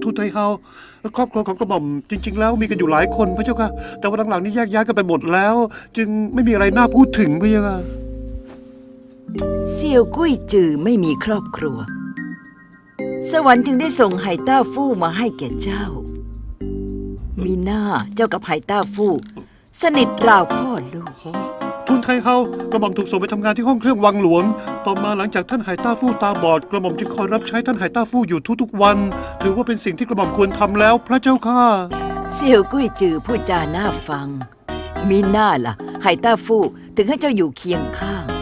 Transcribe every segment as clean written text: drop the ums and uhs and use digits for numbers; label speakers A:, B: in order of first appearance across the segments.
A: ทูตไทเฮาครอบครัวของกระหม่อมจริงๆแล้วมีกันอยู่หลายคนพระเจ้าค่ะแต่ว่าหลังๆนี้แยกย้ายกันไปหมดแล้ว จึงไม่มีอะไรน่าพูดถึงพระเจ้าค่ะ
B: เสี่ยวกุ้ยจือไม่มีครอบครัวสวรรค์จึงได้ส่งไหต้าฟู่มาให้แก่เจ้ามีหน้าเจ้ากับไหต้าฟู่สนิทราวพ่อลูก
A: ทูตไทเฮากระหม่อมถูกส่งไปทำงานที่ห้องเครื่องวังหลวงต่อมาหลังจากท่านไหต้าฟู่ตาบอดกระหม่อมจึงคอยรับใช้ท่านไหต้าฟู่อยู่ทุกๆวันถือว่าเป็นสิ่งที่กระหม่อมควรทำแล้วพระเจ้าค่ะ
B: เสี่ยวกุ้ยจือพูดจาน่าฟังมีหน้าล่ะไหต้าฟู่ถึงให้เจ้าอยู่เคียงข้าง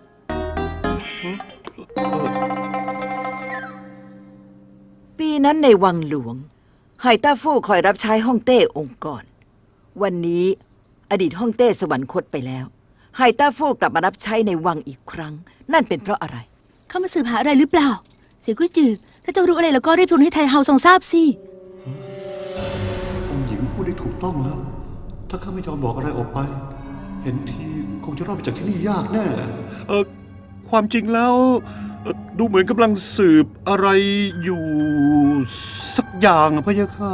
B: ปีนั้นในวังหลวงไหต้าฟู่คอยรับใช้ฮ่องเต้องค์กรวันนี้อดีตฮ่องเต้สวรรคตไปแล้วไหต้าฟู่กลับมารับใช้ในวังอีกครั้งนั่นเป็นเพราะอะไร
C: เข้ามาสืบหาอะไรหรือเปล่าเสี่ยวกุ้ยจือถ้าเจ้ารู้อะไรแล้วก็รีบทูลให้ไทเฮาทรงทราบสิ
A: องค์หญิงพูดได้ถูกต้องแล้วถ้าข้าไม่ยอมบอกอะไรออกไปเห็นทีคงจะรอดไปจากที่นี่ยากแน่ความจริงแล้วดูเหมือนกำลังสืบอะไรอยู่สักอย่างพะยะค่ะ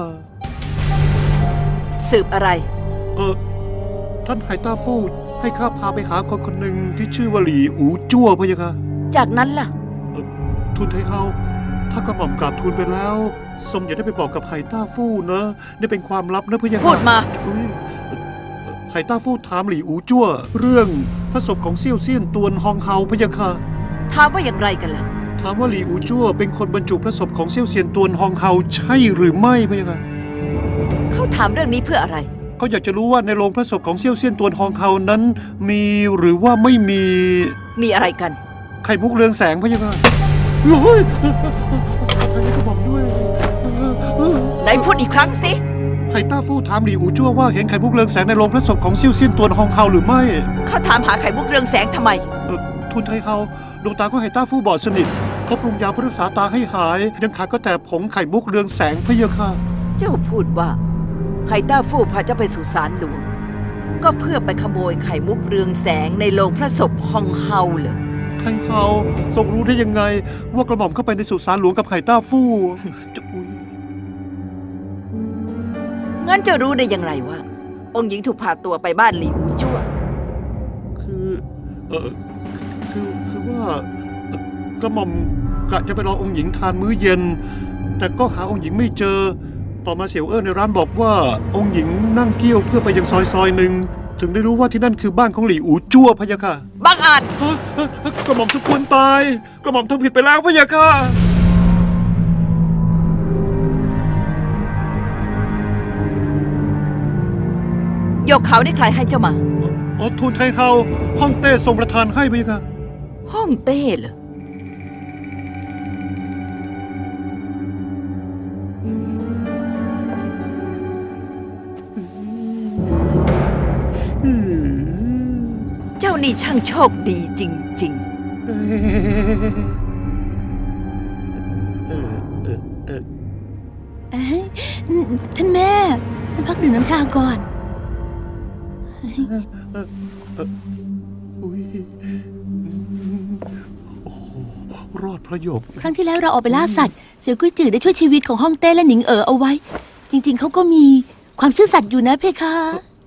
B: สืบอะไร
A: ท่านไหต้าฟู่ให้ข้าพาไปหาคนคนหนึ่งที่ชื่อว่าหลี่อูจั่วพะยะค่ะ
B: จากนั้นล่ะ
A: ทูลไทเฮาถ้ากระหม่อมกราบทูลไปแล้วทรงอย่าได้ไปบอกกับไหต้าฟู่นะนี่เป็นความลับนะพะยะค่ะ
B: พูดมา
A: ไหต้าฟู่ถามหลี่อูจั่วเรื่องพระศพของเซี่ยวเซี่ยนตวนฮองเฮาพะยะค่ะ
B: ถามว่าอย่างไรกันล่ะ
A: ถามว่าหลี่อูจั่วเป็นคนบรรจุพระศพของเซี่ยวเซี่ยนตวนฮองเฮาใช่หรือไม่พะยะค่ะ
B: เขาถามเรื่องนี้เพื่ออะไร
A: เขาอยากจะรู้ว่าในโรงพระศพของเซี่ยวเซี่ยนตวนฮองเฮานั้นมีหรือว่าไม่มี
B: อะไรกัน
A: ไข่มุกเรืองแสงพะยะค่ะโอ้ยทางนี้ก็บอกด้วย
B: ไหนพูดอีกครั้งสิ
A: ไหต้าฟู่ถามหลี่อูจั่วว่าเห็นไข่มุกเรืองแสงในโรงพระศพของเซี่ยวเซี่ยนตวนฮองเฮาหรือไม่
B: เขาถามหาไข่มุกเรืองแสงทำไม
A: ทูลไทเฮาดวงตาของไหต้าฟู่บอดสนิทเขาปรุงยาเพื่อรักษาตาให้หายยังขาดก็แต่ผงไข่มุกเรืองแสงพะยะค่ะ
B: เจ้าพูดว่าไหต้าฟู่พาเจ้าไปสู่ศาลหลวงก็เพื่อไปขโมยไข่มุกเรืองแสงในโรงพระศพฮองเฮาเหรอ
A: ไทเฮาทรงรู้ได้ยังไงว่ากระหม่อมเข้าไปในสุสานหลวงกับไหต้าฟู่
B: งั้นจะรู้ได้อย่างไรว่าองค์หญิงถูกพาตัวไปบ้านหลี่อูจั่ว
A: คือว่ากระหม่อมกะจะไปรอองค์หญิงทานมื้อเย็นแต่ก็หาองค์หญิงไม่เจอต่อมาเสี่ยวในร้านบอกว่าองค์หญิงนั่งเกี้ยวเพื่อไปยังซอยหนึ่งถึงได้รู้ว่าที่นั่นคือบ้านของหลี่อูจั่วพะยะค่ะ
B: บังอาจ
A: กระหม่อมสมควรตายกระหม่อมทำผิดไปแล้วพะยะค่ะ
B: ยกเขาได้ใครให้เจ้ามา
A: ทูลไทเฮาฮ่องเต้ทรงประทานให้พะยะค่ะ
B: ฮ่องเต้เหรอเจ้านี่ช่างโชคดีจริงๆ
C: ท่านแม่ท่านพักดื่มน้ำชาก่อน
A: รอดพระโยค
C: ครั้งที่แล้วเราออกไปล่าสัตว์เสี่ยวกุ้ยจือได้ช่วยชีวิตของฮ่องเต้และหนิงเอาไว้จริงๆเขาก็มีความซื่อสัตย์อยู่นะเพคะ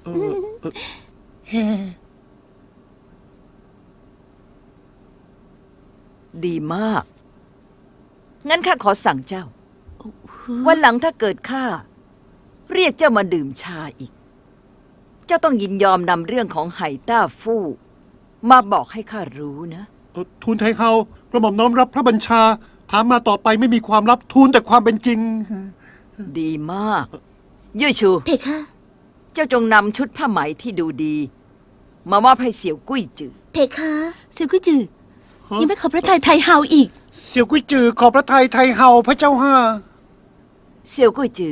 B: ดีมากงั้นข้าขอสั่งเจ้าวันหลังถ้าเกิดข้าเรียกเจ้ามาดื่มชาอีกเจ้าต้องยินยอมนำเรื่องของไหต้าฟู่มาบอกให้ข้ารู้นะ
A: ทูลไทเฮากระหม่อมน้อมรับพระบัญชาถามมาต่อไปไม่มีความลับทูลแต่ความเป็นจริง
B: ดีมากเย่ยชู
C: เพคะ
B: เจ้าจงนำชุดผ้าไหมที่ดูดีมามอบให้เสี่ยวกุ้ยจือ
C: เพคะเสี่ยวกุ้ยจือยังไม่ขอพระทัยไทเฮาอีก
A: เสี่ยวกุ้ยจือขอพระทัยไทเฮาพระเจ้าค่ะ
B: เสี่ยวกุ้ยจือ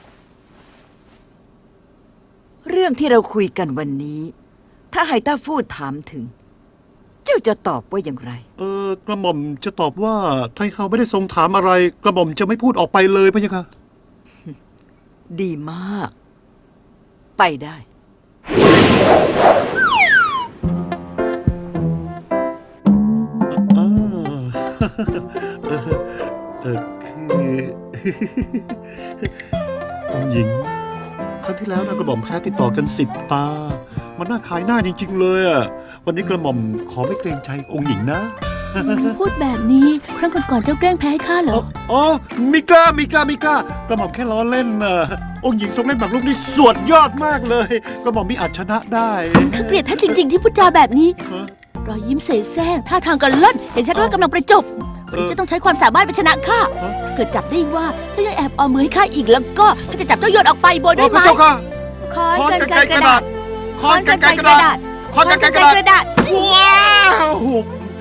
B: เรื่องที่เราคุยกันวันนี้ถ้าไหต้าฟู่ถามถึงเจ้าจะตอบว่าอย่างไร
A: กระหม่อมจะตอบว่าไทเฮาไม่ได้ทรงถามอะไรกระหม่อมจะไม่พูดออกไปเลยพะยะค่ะ
B: ดีมากไปได้
A: คือองค์หญิงครั้งที่แล้วนะกระหม่อมแพ้ติดต่อกัน10 ตา มันน่าขายหน้าจริงๆเลยอะวันนี้กระหม่อมขอไม่เกรงใจองค์หญิงนะ
C: พูดแบบนี้ครั้งก่อนๆเจ้าแกล้งแพ้ให้ข้าเหรอ
A: อ๋อมิกล้ากระหม่อมแค่ล้อเล่นนะองค์หญิงทรงเล่นหมากรุกนี่สวดยอดมากเลย กระหม่อมมิอาจชนะได้
C: ข้าเกลียดท่านจริง ๆ ที่พูดจาแบบนี้
A: ฮะ
C: รอยยิ้มเสแสร้งท่าทางกันเล่นเห็นชัดว่ากำลังประจบหรือจะต้องใช้ความสามารถไปชนะข้า
A: ฮะ
C: ถ้าเกิดจับได้ว่าเจ้ายังแอบเอามือให้ข้าอีกแล้วก็ข้าจะจับเจ้าโยนออกไปโบยได้
A: พ
C: ไหม
A: ระเจ้าค่ะ
C: ค้อน
A: ค้อน
C: กัน
A: กัน
C: ไก
A: ไก
C: ร
A: ร
C: ก
A: ก
C: ระ
A: ระ
C: ดา
A: ดา
C: ษ
A: ษค้อนกันไกรกระดาษค้อนกันไกรกระดาษ
C: ค้อนกันไกรกระดาษ
A: ว้าว